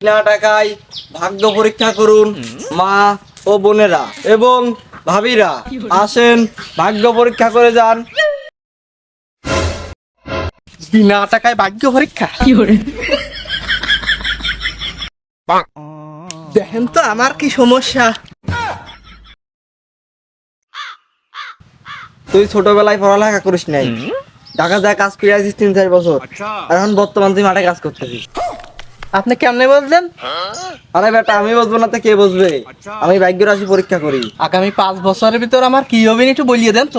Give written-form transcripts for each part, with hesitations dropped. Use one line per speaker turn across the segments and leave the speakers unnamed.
বিনা টাকায় ভাগ্য পরীক্ষা করুন মা ও বোনেরা এবং ভাবিরা, আসেন ভাগ্য পরীক্ষা করে যান।
বিনা টাকায় ভাগ্য পরীক্ষা দেখেন তো আমার কি সমস্যা।
তুই ছোটবেলায় পড়ালেখা করিস নাই, ঢাকা যায় কাজ করে আসিস 3-4 বছর, আর এখন বর্তমান তুই মাঠে কাজ করতেছিস।
আপনি কেমনে বললেন?
আরে বেটা, আমি বুঝবো না তো কে বুঝবে? আমি ভাগ্য রাশি পরীক্ষা করি।
আগামী 5 বছরের ভিতর আমার কি হবে একটু বলিয়ে দেন তো।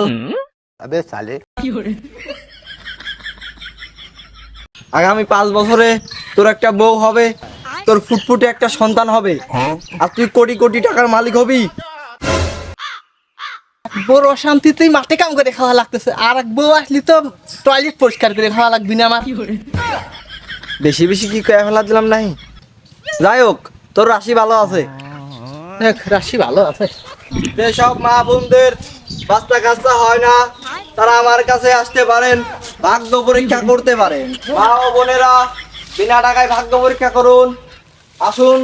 আগামী 5 বছরে তোর একটা বউ হবে, তোর ফুটফুটে একটা সন্তান হবে, আর তুই কোটি কোটি টাকার মালিক হবি।
বড় অশান্তিতেই মাঠে কাম করে খাওয়া লাগতেছে, আর এক বউ আসলি তো টয়লেট পরিষ্কার করে খাওয়া লাগবি না আমার।
বেশি বেশি কি কয়ে ফেলা দিলাম নাই? যাই হোক, তোর রাশি ভালো আছে।
রাশি ভালো আছে।
যেসব মা বোনদের বাচ্চা কাচ্চা হয় না, তারা আমার কাছে আসতে পারেন, ভাগ্য পরীক্ষা করতে পারেন। মা ও বোনেরা, বিনা টাকায় ভাগ্য পরীক্ষা করুন, আসুন।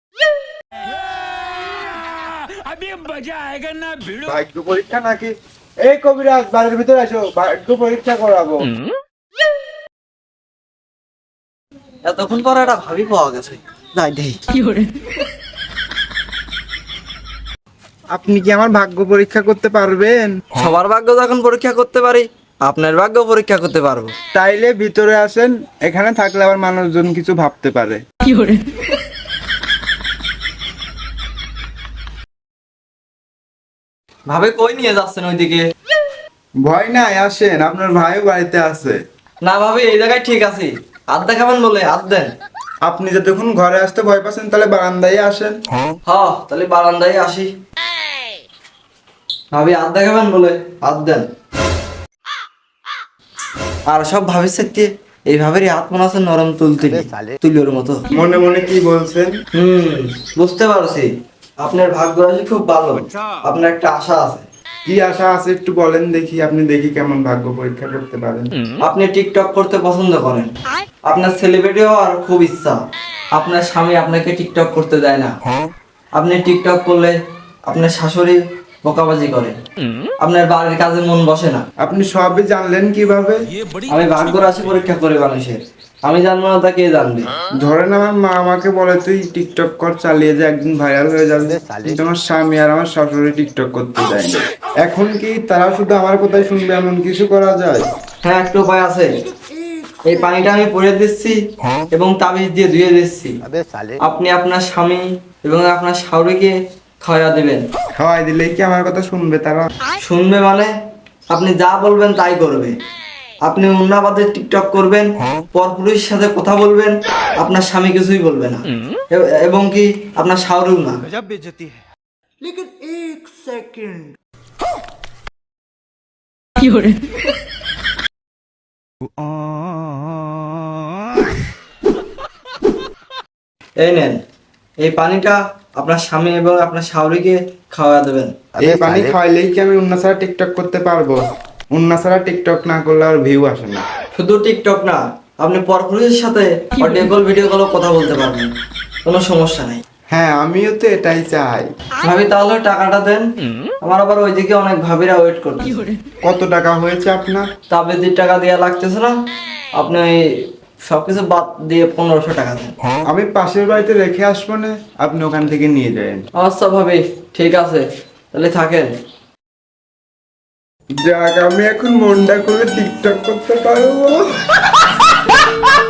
ভাগ্য পরীক্ষা নাকি? এই কবিরাজ, বাড়ির ভিতরে আসো, ভাগ্য পরীক্ষা করাবো।
এতক্ষণ পরে একটা ভাবি পাওয়া গেছে, যাই দেই।
আপনি কি আমার ভাগ্য পরীক্ষা করতে পারবেন?
সবার ভাগ্য যখন পরীক্ষা করতে পারি, আপনার ভাগ্য পরীক্ষা করতে পারবো।
তাইলে ভিতরে আসেন, এখানে থাকলে আবার মানুষজন কিছু ভাবতে পারে।
ভাবে কই নিয়ে যাচ্ছেন ওইদিকে?
ভয় নাই, আসেন, আপনার ভাইও বাড়িতে আছে।
না ভাবি, এই জায়গায় ঠিক আছে। হাত দেখাবেন বলে হাত দেন।
আপনি যতক্ষণ ঘরে আসতে ভয় পাচ্ছেন, তাহলে বারান্দায় আসেন।
তাহলে বারান্দায় আসি। ভাবি হাত দেখাবেন বলে হাত দেন। আর সব ভাবির সাথে এইভাবেই হাত মনে আছে নরম তুলির মতো।
মনে মনে কি বলছেন?
বুঝতে পারছি, আপনার ভাগ্য রাশি খুব ভালো, আপনার একটা আশা আছে।
কি আশা আছে একটু বলেন দেখি, আপনি দেখি কেমন ভাগ্য পরীক্ষা করতে পারেন।
আপনি টিকটক করতে পছন্দ করেন, আপনার সেলিব্রিটি হওয়ার খুব ইচ্ছা, আপনার স্বামী আপনাকে টিকটক করতে দেয় না। আপনি টিকটক করলে আপনার শাশুড়ি বকাবাজি করে, আপনার বাড়ির কাজে মন বসে না।
আপনি সবই জানলেন কিভাবে?
আমি ভাগ্য রাশি পরীক্ষা করে মানুষের, আমি জানবো না তা কে জানবে?
ধরেন আমার মা আমাকে বলে তুই টিকটক কর, চালিয়ে যা, একদিন ভাইরাল হয়ে যাবে। কিন্তু আমার স্বামী আর আমার শাশুড়ি টিকটক করতে দেয় না। এখন কি তারা শুধু আমার কথাই শুনবে, এমন কিছু করা যায়?
হ্যাঁ, একটা উপায় আছে। এই পানিটা আমি পরে দিচ্ছি এবং তাবিজ দিয়ে ধুয়ে দিচ্ছি। আপনি আপনার স্বামী এবং আপনার শাশুড়িকে খাওয়া দিবেন।
খাওয়াই দিলে কি আমার কথা শুনবে তারা?
শুনবে মানে আপনি যা বলবেন তাই করবে। আপনি উন্নাবাদে টিকটক করবেন, পরপুরুষের সাথে কথা বলবেন, আপনার স্বামী কিছুই বলবে না, এবং কি আপনার শাশুড়িও না। এই নেন, এই পানিটা আপনার স্বামী এবং আপনার শাশুড়িকে খাওয়া দেবেন।
এই পানি খাওয়াইলেই কি আমি উন্না ছাড়া টিকটক করতে পারবো? উন্না ছাড়া টিকটক না করলে আর ভিউ আসে না।
শুধু টিকটক না, আপনি পরপুরুষের সাথে অডিও কল ভিডিও কলও কথা বলতে পারবেন, কোনো সমস্যা নাই।
হ্যাঁ, আমিও তো এটাই চাই।
ভাবি তাহলে টাকাটা দেন, আমার আবার ওইদিকে অনেক ভাবিরা ওয়েট করছে।
কত টাকা হয়েছে আপনার?
তাবিজের টাকা দেওয়া লাগতেছে না, আপনি ওই সবকিছু বাদ দিয়ে 1500 টাকা দেন।
আমি পাশের বাড়িতে রেখে আসবো না, আপনি ওখান থেকে নিয়ে যাবেন।
আচ্ছা ভাবি, ঠিক আছে, তাহলে থাকেন।
যাক, আমি এখন মনটা করে টিকটক করতে পারবো।